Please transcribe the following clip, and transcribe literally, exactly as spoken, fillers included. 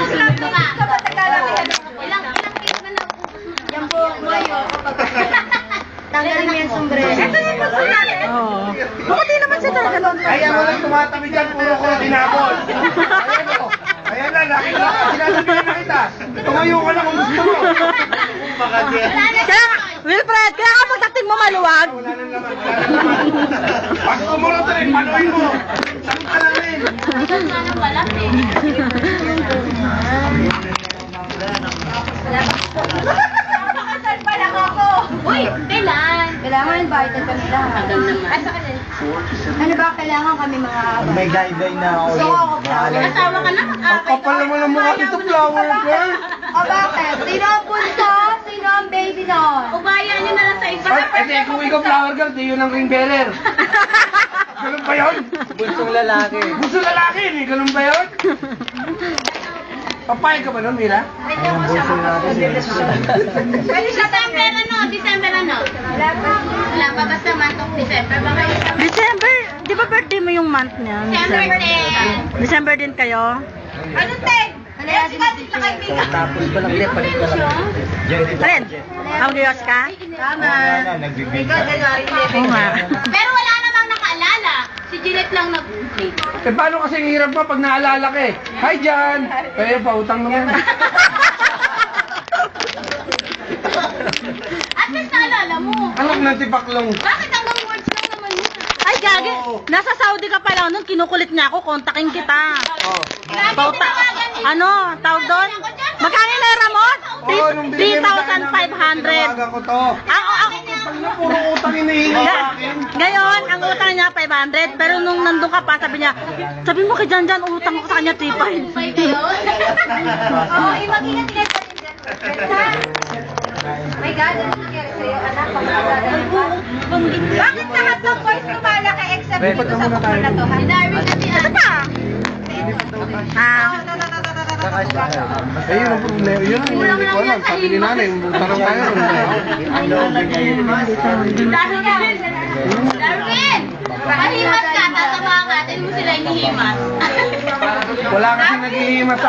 Ilang ilang cake na na. Yan po, Mayo. Tanggalin mo yung sombrero. Ito yung gusto natin. Oo. Bakit naman siya talaga doon? Kaya walang tumatabi dyan, puro ko tinapon. Ayan o. Ayan na, nakita. Sinasabihan na kita. Tumayo ka na kung gusto mo. Kaya, Wilfred, kaya ka pagdating mo maluwag. Wala nang laman, wala nang laman. Pag kumunod rin, panuin mo. Saan ka na rin? Sana pala eh. Napakasal pa lang ako. Uy, kailan? Kailangan invited kami lahat. Hanggang naman. Asa ka din? Ano ba, kailangan kami mga aba. May guideline na ako. Gusto ko ako flower. Asawa ka na? Ang kapal naman ng mukha nito, flower girl. O bakit? Sino ang punso? Sino ang baby nun? Ubayan niyo na lang sa iba. Ay, ete, kung ikaw flower girl, di yun ang ring bearer. Ganun ba yun? Bunsong lalaki. Gusto lalaki, eh. Ganun ba yun? Papayag ka ba nun, Mira? Pwede siya December ano? December ano? Wala pa. Wala pa basta month of December. Baka isang December, di ba birthday mo yung month niya? December ten. December din kayo? Ano ten? Ano yan? Sa kaibigan. Tapos pa lang ulit, palit pa lang. Alin? Audios ka? Tama. Ikaw, January Oo nga. Pero wala namang nakaalala. Si Jeanette lang nag-play. Eh, paano kasi ang hirap pa pag naalala ka eh? Hi, Jan! Kaya pautang naman. At least naalala mo. Anak ng tipaklong. Bakit hanggang words lang naman yun? Ay, gagi. Nasa Saudi ka pa lang nun, kinukulit niya ako, kontakin kita. Oh. Grabe Bauta, tinawagan niya. ano, tawag doon? Magkano yung naira mo? Oo, nung binigay mo sa akin ng three thousand five hundred. tinawagan ko to. Ang, ang, Pag na puro utang hinihingi sa akin. ngayon, ang utang niya five hundred, pero nung nandun ka pa, sabi niya, sabi mo kay Jan Jan, utang ko sa kanya three five. Five kayo? Oo, eh, mag-ingat-ingat pa din dyan. My God, ano nangyari sa'yo, anak? Bakit lahat ng boys lumalaki except dito sa bukol na to, ha? Si Darwin at si Ano pa? Ah, Eh, yun ang problema. Yun ang hindi ko alam. Sabi ni nanay, tarang tayo. Darwin! Darwin! Mahimas ka, tatama ka, mo sila inihimas. Wala kasi naghihimas sa